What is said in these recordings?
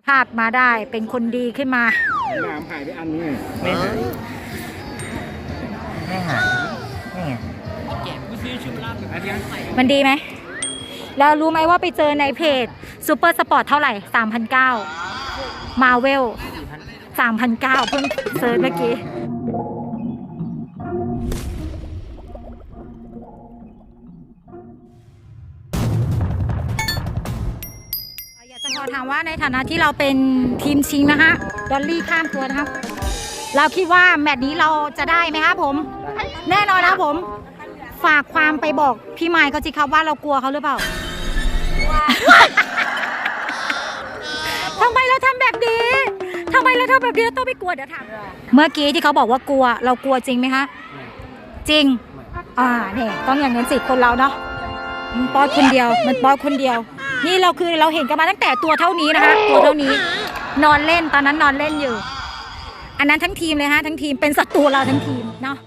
ภาพมาได้เป็นคนดีขึ้นมาน้ำหายไปอันนี้ไม่หายไม่หายนี่ไงมันดีไหมแล้วรู้ไหมว่าไปเจอในเพจซูเปอร์สปอร์ตเท่าไหร่ 3,900 มาเวล 3,900 เพิ่งเซิร์ชเมื่อกี้อยากจะขอถามว่าในฐานะที่เราเป็นทีมชิงนะฮะดอลลี่ข้ามตัวนะครับเราคิดว่าแมตช์นี้เราจะได้ไหมครับผมแน่นอนนะครับผมฝากความไปบอกพี่ไมค์เขาสิครับว่าเรากลัวเขาหรือเปล่า ทำไมเราทำแบบนี้ทำไมเราทำแบบนี้เราต้องไม่กลัวเดี๋ยวถามเมื่อกี้ที่เขาบอกว่ากลัวเรากลัวจริงไหมคะจริงเนี่ยต้องอย่างนั้นสิคนเราเนาะมันป๊อดคนเดียวมันป๊อดคนเดียวนี่เราคือเราเห็นกันมาตั้งแต่ตัวเท่านี้นะคะตัวเท่านี้นอนเล่นตอนนั้นนอนเล่นอยู่อันนั้นทั้งทีมเลยฮะทั้งทีมเป็นศัตรูเราทั้งทีมเนาะ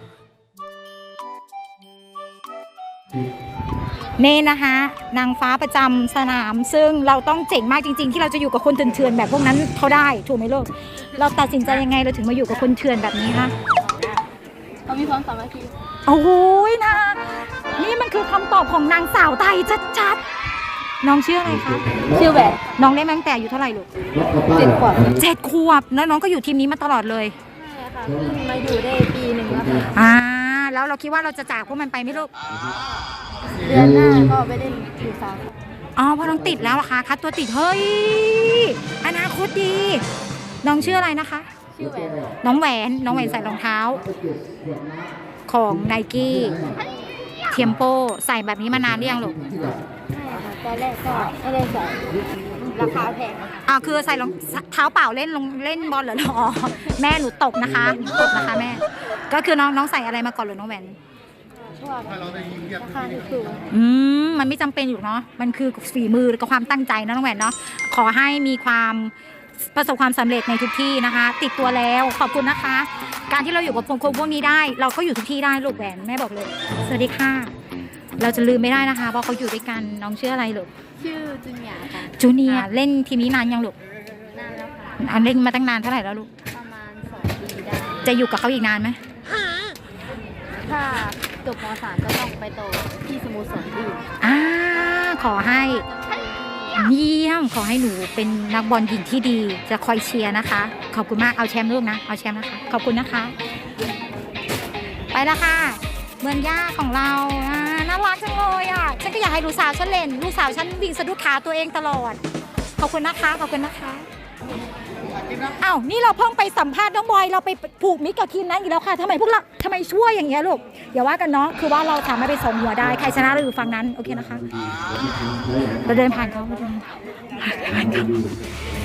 นี่นะคะนางฟ้าประจำสนามซึ่งเราต้องเจ๋งมากจริงๆที่เราจะอยู่กับคนเถื่อนๆแบบพวกนั้นเขาได้ถูกไหมลูกเราตัดสินใจยังไงเราถึงมาอยู่กับคนเถื่อนแบบนี้คะเขามีความสามัคคีโอ้โหนะนี่มันคือคำตอบของนางสาวไทยชัดๆน้องชื่ออะไรคะชื่อแหวนน้องได้มาตั้งแต่อายุเท่าไหร่ลูก 7 ขวบ 7 ขวบแล้วน้องก็อยู่ทีมนี้มาตลอดเลยใช่ค่ะเพิ่งมาอยู่ได้ปีหนึ่งแล้วค่ะแล้วเราคิดว่าเราจะจากพวกมันไปไหมลูกเดือนหน้าก็ไปได้อยู่สามเพราะน้องติดแล้วอะคะคัดตัวติดเฮ้ยอนาคตดีน้องชื่ออะไรนะคะชื่อแหวนน้องแหวนใส่รองเท้าของไนกี้เทียมโปใส่แบบนี้มานานหรือยังลูกใช่ค่ะตอนแรกก็ไม่ได้ใส่ราคาแพงคือใส่รองเท้าเปล่าเล่นบอลเหรอแม่หนูตกนะคะแม่ก็คือน้องใส่อะไรมาก่อนหรือน้องแหวนราคาถูกมันไม่จำเป็นอยู่เนาะมันคือฝีมือกับความตั้งใจนะน้องแหวนเนาะขอให้มีความประสบความสำเร็จในทุกที่นะคะติดตัวแล้วขอบคุณนะคะการที่เราอยู่กับคนพวกนี้ได้เราก็อยู่ทุกที่ได้ลูกแหวนแม่บอกเลยสวัสดีค่ะเราจะลืมไม่ได้นะคะเพราะเขาอยู่ด้วยกันน้องชื่ออะไรลูกชื่อจูเนียร์ค่ะจูเนียร์เล่นทีมนี้นานยังลูกนานแล้วค่ะเล่นมาตั้งนานเท่าไหร่แล้วลูกประมาณ2 ปีได้จะอยู่กับเขาอีกนานไหมถ้าจบม.3ก็ต้องไปโตที่สโมสรอื่นขอให้เยี่ยมขอให้หนูเป็นนักบอลหญิงที่ดีจะคอยเชียร์นะคะขอบคุณมากเอาแชมป์ลูกนะเอาแชมป์นะคะขอบคุณนะคะไปแล้วค่ะเมืองย่าของเราน่ารักจังเลยฉันก็อยากให้ลูกสาวฉันเล่นลูกสาวฉันวิ่งสะดุดขาตัวเองตลอดขอบคุณนะคะขอบคุณนะคะนี่เราเพิ่งไปสัมภาษณ์น้องบอยเราไปผูกมิตรกับทีมนั้นอีกแล้วค่ะทำไมพวกเราทำไมช่วยอย่างเงี้ยลูกอย่าว่ากันเนาะคือว่าเราสามารถไปส่งหัวได้ใครชนะเราอยู่ฝั่งนั้นโอเคนะคะเราเดินผ่านเขา